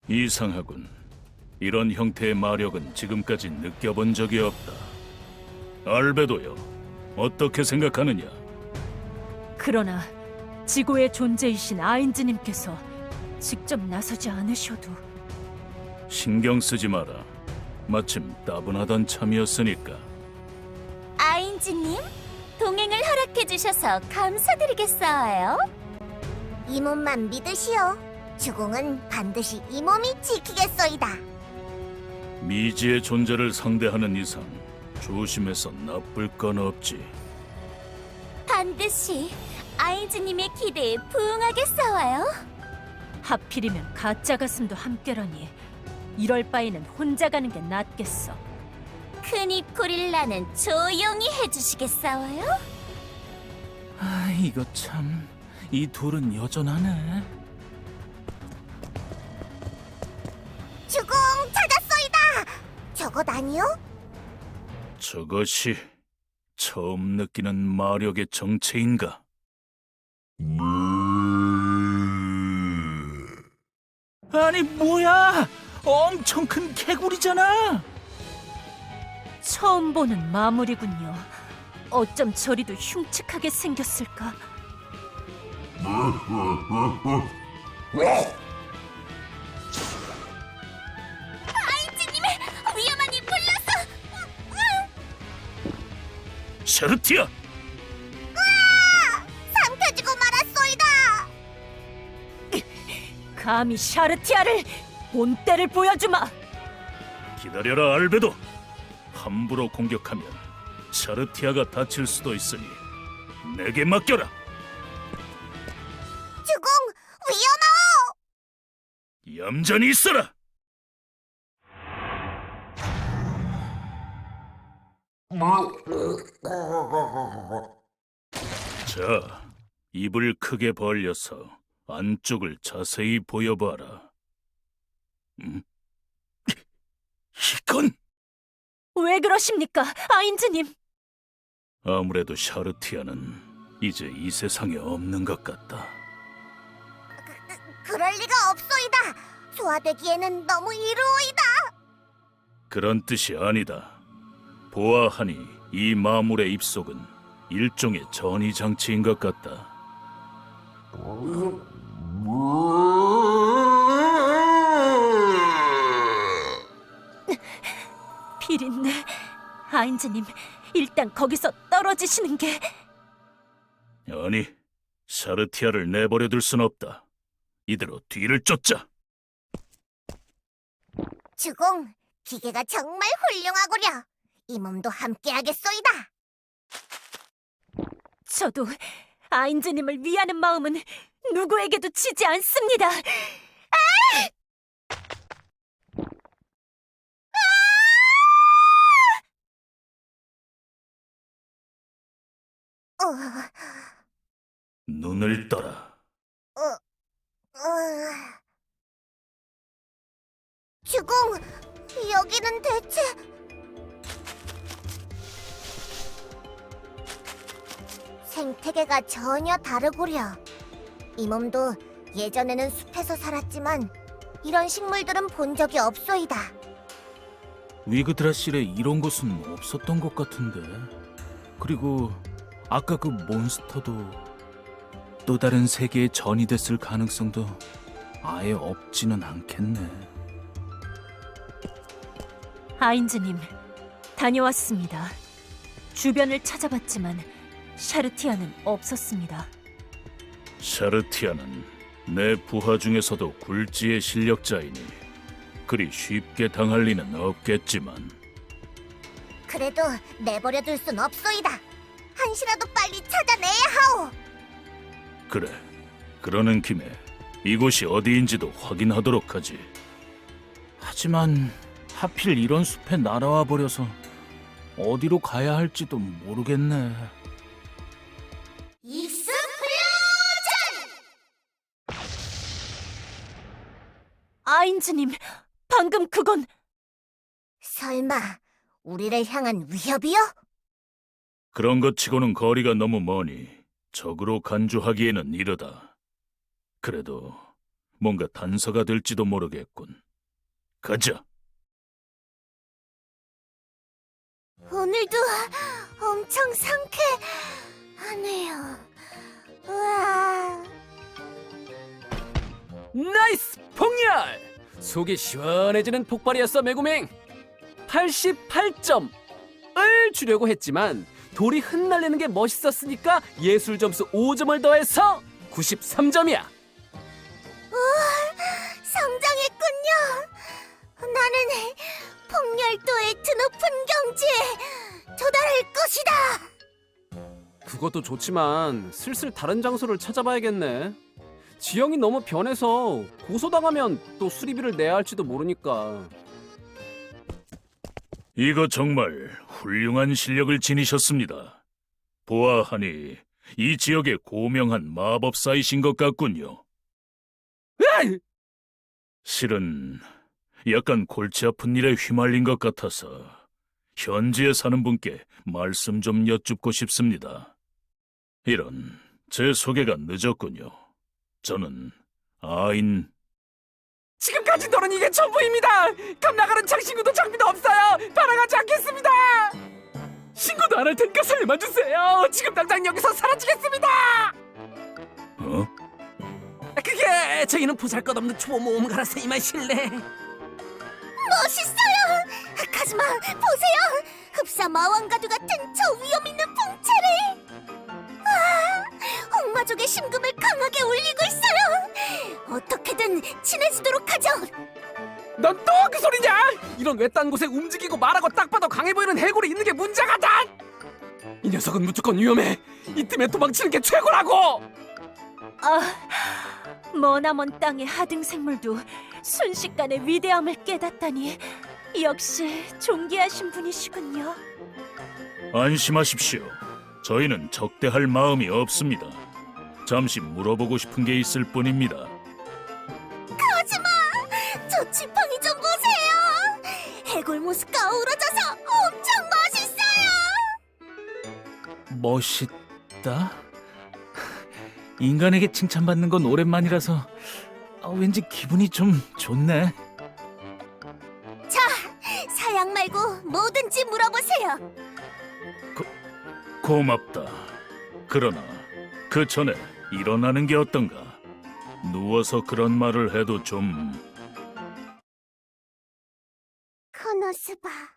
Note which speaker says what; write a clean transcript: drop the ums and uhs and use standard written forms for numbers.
Speaker 1: 이상하군. 이런 형태의 마력은 지금까지 느껴본 적이 없다. 알베도요, 어떻게 생각하느냐?
Speaker 2: 그러나 지구의 존재이신 아인즈님께서 직접 나서지 않으셔도
Speaker 1: 신경 쓰지 마라. 마침 따분하던 참이었으니까.
Speaker 3: 아인즈님, 동행을 허락해주셔서 감사드리겠어요. 이 몸만 믿으시오. 주공은 반드시 이 몸이 지키겠소이다.
Speaker 1: 미지의 존재를 상대하는 이상 조심해서 나쁠 건 없지.
Speaker 3: 반드시 아인즈님의 기대에 부응하게 싸워요.
Speaker 2: 하필이면 가짜 가슴도 함께라니 이럴 바에는 혼자 가는 게 낫겠어.
Speaker 3: 큰입 고릴라는 조용히 해주시겠어요?
Speaker 4: 아, 이거 참, 이 둘은 여전하네.
Speaker 3: 주공 찾았소이다. 저것 아니요?
Speaker 1: 저것이 처음 느끼는 마력의 정체인가?
Speaker 4: 아니, 뭐야! 엄청 큰 개구리잖아!
Speaker 2: 처음 보는 마무리군요. 어쩜 저리도 흉측하게 생겼을까?
Speaker 3: 아인즈님의 위험한 이 불러서
Speaker 1: 샤르티아!
Speaker 3: 삼켜지고 말았소이다.
Speaker 2: 감히 샤르티아를 본때를 보여주마!
Speaker 1: 기다려라, 알베도. 함부로 공격하면 샤르티아가 다칠 수도 있으니 내게 맡겨라.
Speaker 3: 주공 위험하오.
Speaker 1: 얌전히 있어라. 자, 입을 크게 벌려서 안쪽을 자세히 보여봐라. 이건
Speaker 2: 왜 그러십니까, 아인즈님?
Speaker 1: 아무래도 샤르티아는 이제 이 세상에 없는 것 같다.
Speaker 3: 그럴 리가 없소이다. 소화되기에는 너무 이루어이다.
Speaker 1: 그런 뜻이 아니다. 보아하니 이 마물의 입속은 일종의 전이 장치인 것 같다.
Speaker 2: 비린내. 아인즈님, 일단 거기서 떨어지시는 게...
Speaker 1: 아니, 샤르티아를 내버려둘 순 없다. 이대로 뒤를 쫓자.
Speaker 3: 주공, 기계가 정말 훌륭하구려. 이 몸도 함께하겠소이다.
Speaker 2: 저도 아인즈님을 위하는 마음은 누구에게도 지지 않습니다.
Speaker 3: 어,
Speaker 1: 눈을 떠라.
Speaker 3: 주공, 여기는 대체... 생태계가 전혀 다르구려. 이 몸도 예전에는 숲에서 살았지만 이런 식물들은 본 적이 없소이다.
Speaker 4: 위그드라실에 이런 곳은 없었던 것 같은데. 그리고 아까 그 몬스터도 또 다른 세계의 전이 됐을 가능성도 아예 없지는 않겠네.
Speaker 2: 아인즈님, 다녀왔습니다. 주변을 찾아봤지만 샤르티아는 없었습니다.
Speaker 1: 샤르티아는 내 부하 중에서도 굴지의 실력자이니 그리 쉽게 당할 리는 없겠지만
Speaker 3: 그래도 내버려둘 순 없소이다. 한시라도 빨리 찾아내야 하오.
Speaker 1: 그래, 그러는 김에 이곳이 어디인지도 확인하도록 하지.
Speaker 4: 하지만 하필 이런 숲에 날아와 버려서 어디로 가야 할지도 모르겠네.
Speaker 3: 익스플로전!
Speaker 2: 아인즈님, 방금 그건...
Speaker 3: 설마 우리를 향한 위협이요?
Speaker 1: 그런 것 치고는 거리가 너무 머니 적으로 간주하기에는 이르다. 그래도 뭔가 단서가 될지도 모르겠군. 가자.
Speaker 3: 오늘도 엄청 상쾌하네요. 우와.
Speaker 5: 나이스 폭렬! 속이 시원해지는 폭발이었어 메구밍. 88점을 주려고 했지만 돌이 흩날리는 게 멋있었으니까 예술 점수 5점을 더해서 93점이야.
Speaker 3: 성장했군요. 나는 폭렬도의 드높은 경지에 도달할 것이다.
Speaker 5: 그것도 좋지만 슬슬 다른 장소를 찾아봐야겠네. 지형이 너무 변해서 고소당하면 또 수리비를 내야 할지도 모르니까.
Speaker 1: 이거 정말 훌륭한 실력을 지니셨습니다. 보아하니 이 지역의 고명한 마법사이신 것 같군요.
Speaker 5: 으이!
Speaker 1: 실은 약간 골치 아픈 일에 휘말린 것 같아서 현지에 사는 분께 말씀 좀 여쭙고 싶습니다. 이런, 제 소개가 늦었군요. 저는 아인.
Speaker 5: 지금까지 너는 이게 전부입니다. 감나가는 장신구도 장비도 없어요. 따라가지 않겠습니다. 신고도 안 할 테니까 살려만 주세요. 지금 당장 여기서 사라지겠습니다.
Speaker 1: 어?
Speaker 5: 그게 저희는 보잘것없는 초보 모험가라서 이만 실례.
Speaker 3: 멋있어요. 카즈마, 보세요. 흡사 마왕가두 같은 저 위험 있는 풍채를. 아, 홍마족의 심금을 강하게 울리고 있어요. 어떻게든 친해지도록 하죠.
Speaker 5: 넌 또 그 소리냐? 이런 외딴 곳에 움직이고 말하고 딱 봐도 강해 보이는 해골이 있는 게 문제가다. 이 녀석은 무조건 위험해. 이쯤에 도망치는 게 최고라고.
Speaker 2: 머나먼 땅의 하등 생물도 순식간에 위대함을 깨닫다니 역시 존귀하신 분이시군요.
Speaker 1: 안심하십시오. 저희는 적대할 마음이 없습니다. 잠시 물어보고 싶은 게 있을 뿐입니다.
Speaker 3: 카즈마, 저 지팡이 좀 보세요. 해골 모습과 어우러져서 엄청 멋있어요.
Speaker 4: 멋있다? 인간에게 칭찬받는 건 오랜만이라서 왠지 기분이 좀 좋네.
Speaker 3: 자, 사양 말고 뭐든지 물어보세요.
Speaker 1: 고맙다. 그러나 그 전에 일어나는 게 어떤가? 누워서 그런 말을 해도 좀...
Speaker 3: 코노스바.